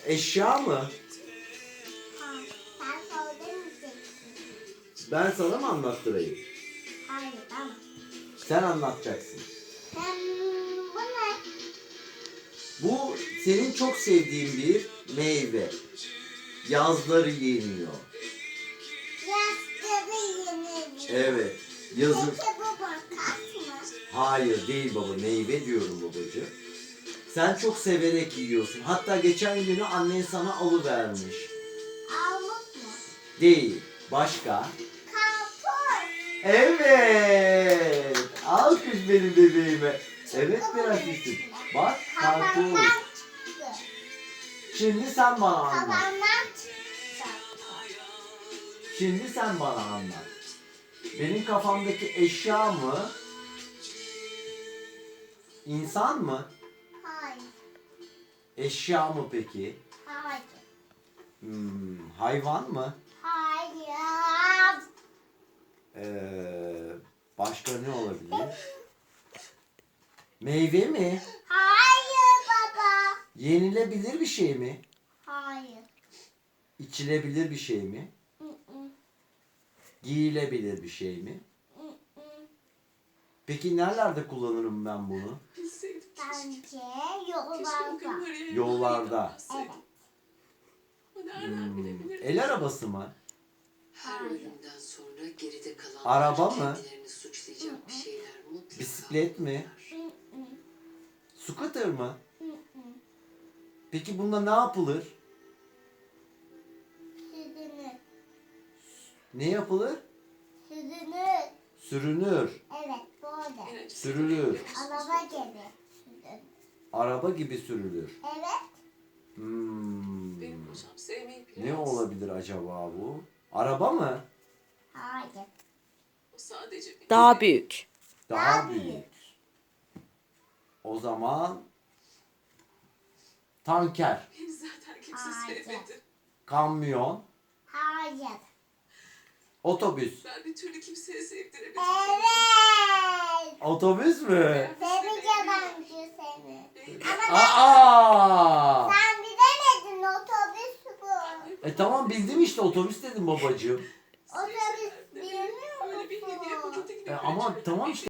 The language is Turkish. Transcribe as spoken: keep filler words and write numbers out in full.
Eşya mı? Ha, sen söylemeyeceksin. Ben sana mı anlattırayım? Hayır ama. Sen anlatacaksın. Hem bu ne? Bu senin çok sevdiğin bir meyve. Yazları yeniyor. Yastığı yeniliyor. Evet. Yazın. Peki bu makas mı? Hayır değil baba. Meyve diyorum babacığım. Sen çok severek yiyorsun. Hatta geçen günü annen sana alıvermiş. Armut mu? Değil. Başka? Karpuz. Evet. Alkış benim bebeğime. Evet prensesim. Bak karpuz. Kafamdan çıktı. Şimdi sen bana anlat. Kafamdan çıktı. Şimdi sen bana anlat. Benim kafamdaki eşya mı? İnsan mı? Hayır. Eşya mı peki? Hayır. Hmm, hayvan mı? Hayır. Ee, başka ne olabilir? Meyve mi? Hayır baba. Yenilebilir bir şey mi? Hayır. İçilebilir bir şey mi? Hı hı. Giyilebilir bir şey mi? Hı hı. Peki nerelerde kullanırım ben bunu? Bence yollarda. Yollarda. Evet. Hmm, el arabası mı? Her ölümden sonra geride kalan Araba mı? kendilerini suçlayacak bir şeyler mutlaka Bisiklet mi? Hı hı. Scooter mı? Hı hı. Peki bunda ne yapılır? Süzülür. Ne yapılır? Süzülür. Sürünür. Evet böyle. Sürülür. Araba gibi. Süzülür. Araba gibi sürülür. Evet. Hmm. Benim hocam sevmeyi Ne bilemez. olabilir acaba bu? Araba mı? Hayır. O sadece beni Daha sev- büyük. Daha Daha büyük. büyük. O zaman tanker, Beni zaten kimse Hayır. sevmedi. kamyon, Hayır. otobüs. Ben bir türlü kimseye sevdiremedim. Evet. Otobüs mü? Seveceğim bence seni. Benim- Aa! Sen bilemedin otobüs bu. E tamam bildim işte otobüs dedim babacığım. Otobüs bilmiyor Böyle bir hediye musun? paketi gibi E ama bir- tamam işte